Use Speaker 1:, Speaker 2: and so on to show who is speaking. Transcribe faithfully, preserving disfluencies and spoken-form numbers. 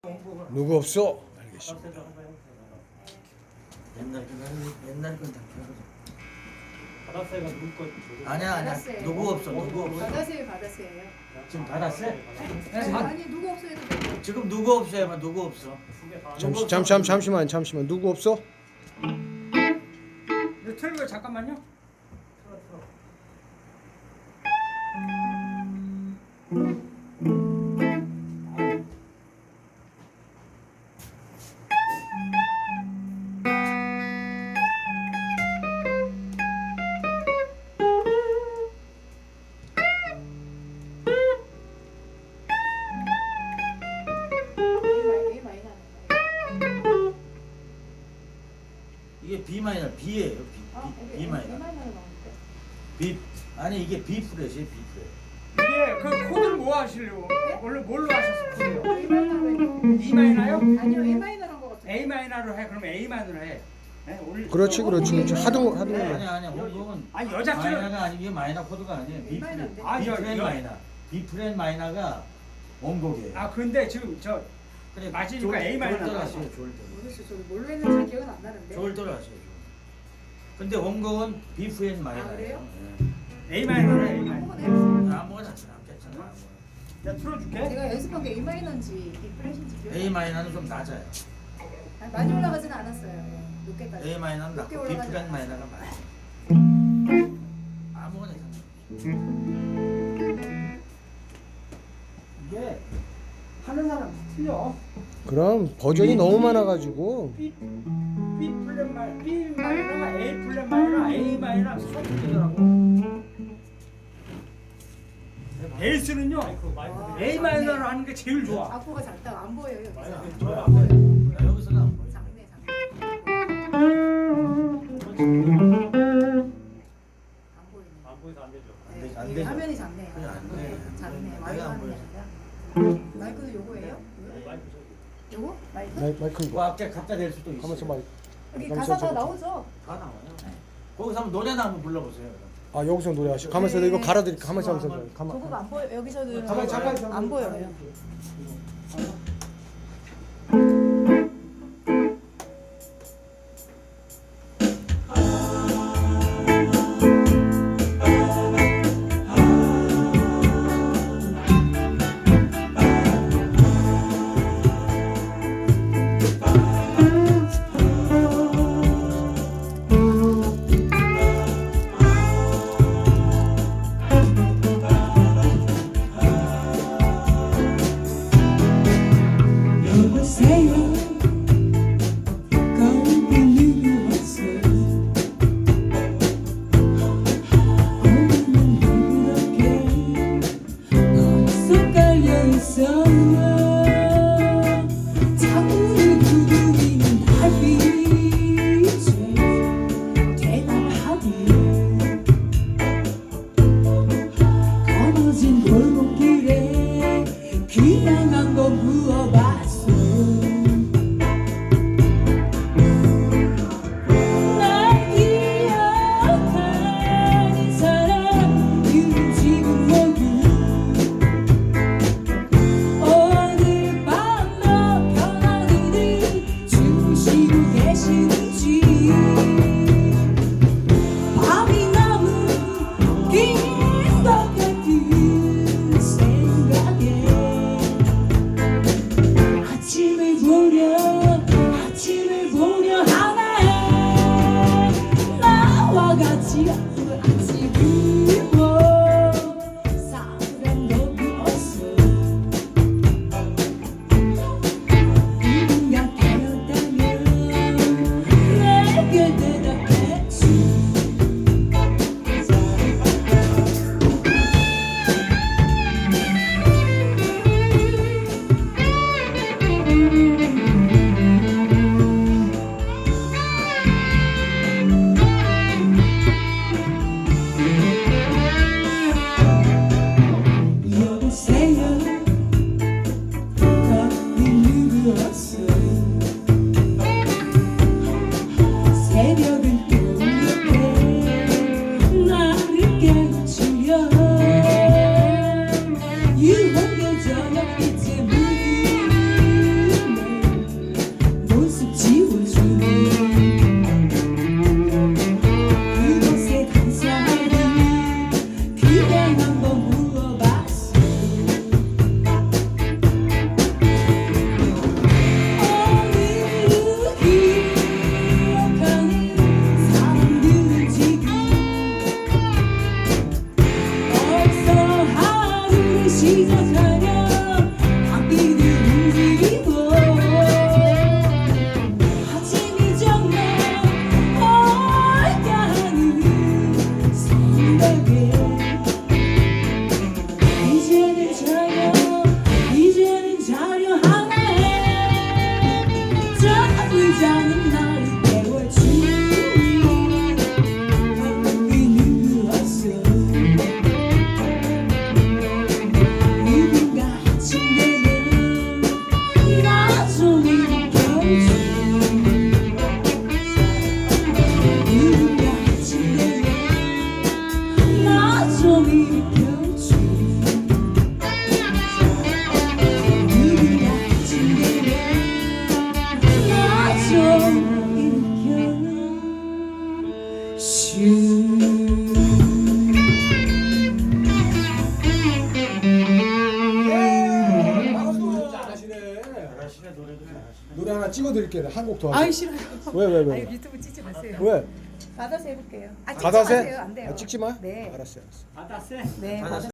Speaker 1: 누구 없어? 알겠습니다.
Speaker 2: 옛날 건 옛날 건다 펴거든.
Speaker 3: 바다새가 누구 거?
Speaker 2: 아니야 아니야
Speaker 4: 받았어요.
Speaker 2: 누구 없어 누구 없어.
Speaker 4: 받았어요, 받았어요.
Speaker 2: 지금 받았어요?
Speaker 4: 네, 아니 누구 없어요? 해도
Speaker 2: 지금 누구 없어요? 누구 없어?
Speaker 1: 잠시 잠, 잠, 잠시만 잠시만 누구 없어?
Speaker 3: 이거 틀고 잠깐만요.
Speaker 4: A 마이너 나는 거예요.
Speaker 2: 이게 B 마이너 B예요. B
Speaker 4: 아,
Speaker 2: B,
Speaker 4: 여기
Speaker 2: B
Speaker 4: A
Speaker 2: 마이너.
Speaker 4: 마이너로 나오는데.
Speaker 2: B 아니 이게 B 프렛이에요. B 프렛.
Speaker 3: 이게 그 코드를 뭐 하시려고?
Speaker 4: 네?
Speaker 3: 원래 뭘로 하셨어 코드요?
Speaker 4: A 마이너로
Speaker 3: E 마이너요?
Speaker 4: 아니요, A 마이너란 거 같아요.
Speaker 3: A 마이너로 해. 그럼 A 마이너로 해. 네? 오늘
Speaker 1: 그렇지 그렇지 그렇지 하동 하동
Speaker 3: 네.
Speaker 2: 아니 아니 홍콩은
Speaker 3: 아니 여자끼리
Speaker 2: 마이너가 아니 이게 마이너 코드가 아니에요. B 프렛.
Speaker 4: 마이너인데.
Speaker 3: 아,
Speaker 2: B
Speaker 3: 여-
Speaker 2: 프렛
Speaker 3: 여-
Speaker 2: 마이너. B 프렛 마이너가 원곡이에요.
Speaker 3: 아 근데 지금 저
Speaker 2: 그래
Speaker 3: 맞으니까 A 마이너
Speaker 2: 졸
Speaker 3: 나왔어.
Speaker 2: 하세요. 졸
Speaker 4: 모르겠어요. 저도 뭘로 했는지 기억은 안 나는데.
Speaker 2: 졸 하세요. 졸. 근데 원곡은 B 프렛 마이너예요.
Speaker 4: 아, 그래요?
Speaker 3: A 마이너로 해. A 마이너.
Speaker 4: 한번 해보세요.
Speaker 2: 네. 아무거나 괜찮아. 괜찮아.
Speaker 3: 내가 틀어줄게.
Speaker 4: 제가 연습한 게 A 마이너인지 B 플랫인지 기억.
Speaker 2: A 마이너는 좀 낮아요.
Speaker 4: 아니, 많이 올라가지는 않았어요. 예, 높게까지.
Speaker 2: A 마이너는
Speaker 4: 높게
Speaker 2: 낮고 B
Speaker 4: 올라가지
Speaker 2: 프렛
Speaker 4: 않았어요.
Speaker 2: 마이너가 많아요. 아무거나 괜찮아.
Speaker 3: 이게 하는 사람 다 틀려.
Speaker 1: 그럼 버전이 너무 많아가지고
Speaker 3: B B 플랫 마이너, B 마이너가 A 플랫 마이너, A 마이너 서로 틀리더라고. 베이스는요 A 마이너로 하는 게 제일 좋아.
Speaker 4: 악보가 작다가 안 보여요. 여기서.
Speaker 2: 저요 안 보여요. 나 여기서는 안 보여요.
Speaker 4: 작네, 작네. 안 보이네.
Speaker 3: 안 보여서 안 되죠.
Speaker 2: 안 되-
Speaker 4: 네,
Speaker 2: 안
Speaker 4: 이게
Speaker 2: 되죠.
Speaker 4: 화면이 작네요.
Speaker 2: 그래, 안 돼.
Speaker 4: 네, 작네.
Speaker 2: 내가
Speaker 4: 마이크
Speaker 2: 안
Speaker 4: 하는 게
Speaker 2: 보여서.
Speaker 4: 아니라. 마이크도 요거예요? 요거? 마이크?
Speaker 1: 마이, 마이크
Speaker 2: 뭐 앞에 갖다 댈 수도 있어요.
Speaker 1: 가만있어 마이크
Speaker 4: 여기
Speaker 1: 잠깐만,
Speaker 4: 가사 다
Speaker 1: 잠깐만.
Speaker 4: 나오죠?
Speaker 2: 다 나와요. 거기서 한번 노래나 한번 불러보세요.
Speaker 1: 아 여기서 노래하시 가만있어 이거 갈아드릴게 가만있어 가만있어 가만
Speaker 4: 저거가 안 보여. 여기서는
Speaker 1: 잠깐, 잠깐, 잠깐.
Speaker 4: 안 보여요.
Speaker 5: 여보세요 거기 누구였어 오늘은 그렇게 어디서 깔려있어 자꾸 두드리는 달빛에 대답하기 거머진 골목길에 그냥 한번 부어봤어 날 기억하는 사람들은 지금 모두 오늘 밤너 편안히들 주무시고 계시는지 밤이 너무 긴 것 같은 생각에 아침을 보려 아침을 보려 하네 나와 같이 그 아침을 보 사람도 없어 누군가 깨었다면 내게 대답했지
Speaker 1: 잘하시네.
Speaker 2: 잘하시네 노래도 잘하시네.
Speaker 1: 노래 하나 찍어드릴게요. 한 곡 더.
Speaker 4: 아이 싫어요.
Speaker 1: 왜, 왜, 왜?
Speaker 4: 아유 유튜브 찍지 마세요.
Speaker 1: 왜?
Speaker 4: 받아서 해볼게요. 아 찍지
Speaker 1: 받아서
Speaker 4: 마세요.
Speaker 1: 해?
Speaker 4: 안 돼요.
Speaker 1: 아, 찍지 마?
Speaker 4: 네.
Speaker 1: 알았어요, 알았어.
Speaker 3: 받았어.
Speaker 4: 네.
Speaker 2: 받았어요.
Speaker 4: 받아서